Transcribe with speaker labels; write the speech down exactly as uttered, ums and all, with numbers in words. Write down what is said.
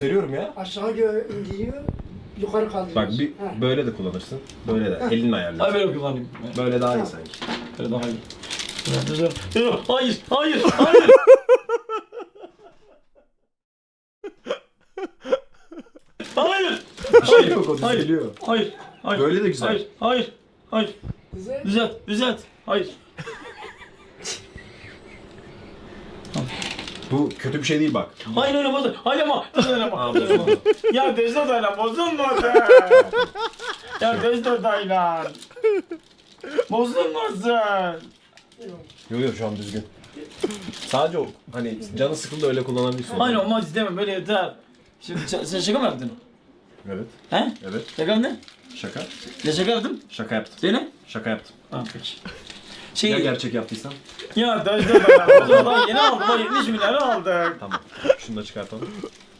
Speaker 1: Veriyorum ya.
Speaker 2: Aşağı gö- indiriyor, yukarı kaldırıyor.
Speaker 1: Bak bir
Speaker 2: Ha.
Speaker 1: böyle de kullanırsın. Böyle de. Elinle
Speaker 3: Hayır
Speaker 1: ayarlıyorsun.
Speaker 3: böyle kullanayım.
Speaker 1: Böyle daha iyi sanki.
Speaker 3: Böyle daha iyi. Hayır, hayır, hayır. Hayır.
Speaker 1: Bir şey yok, o
Speaker 3: Hayır.
Speaker 1: düzeliyor.
Speaker 3: Hayır. Hayır.
Speaker 1: Böyle de güzel.
Speaker 3: Hayır. Hayır. Hayır.
Speaker 2: Güzel.
Speaker 3: Düzelt. Düzelt. Hayır.
Speaker 1: Bu kötü bir şey değil bak.
Speaker 3: Hayır öyle bozun. Hayır ama. Öyle ama.
Speaker 1: Aa,
Speaker 3: Öyle ama.
Speaker 1: bozuldu.
Speaker 3: Ya Dejda dayla bozulmadı. Ya Dejda dayla. Bozulmasın.
Speaker 1: Yok yok şu an düzgün. Sadece o hani canı sıkıldı öyle kullanabilirsin.
Speaker 3: Hayır olmaz istemem böyle yeter. Şimdi ş- sen şaka mı yaptın?
Speaker 1: Evet.
Speaker 3: He?
Speaker 1: Evet.
Speaker 3: Şaka mı ne?
Speaker 1: Şaka.
Speaker 3: Ne şaka yaptın?
Speaker 1: Şaka yaptım.
Speaker 3: Söyle.
Speaker 1: Şaka yaptım.
Speaker 3: Ha peki. Şey,
Speaker 1: Ya
Speaker 3: ya,
Speaker 1: gerçek yaptıysam?
Speaker 3: ya Dejda dayla. Daha yeni aldık. Daha yetmiş milyarı aldık.
Speaker 1: Tamam. Şunu da çıkartalım.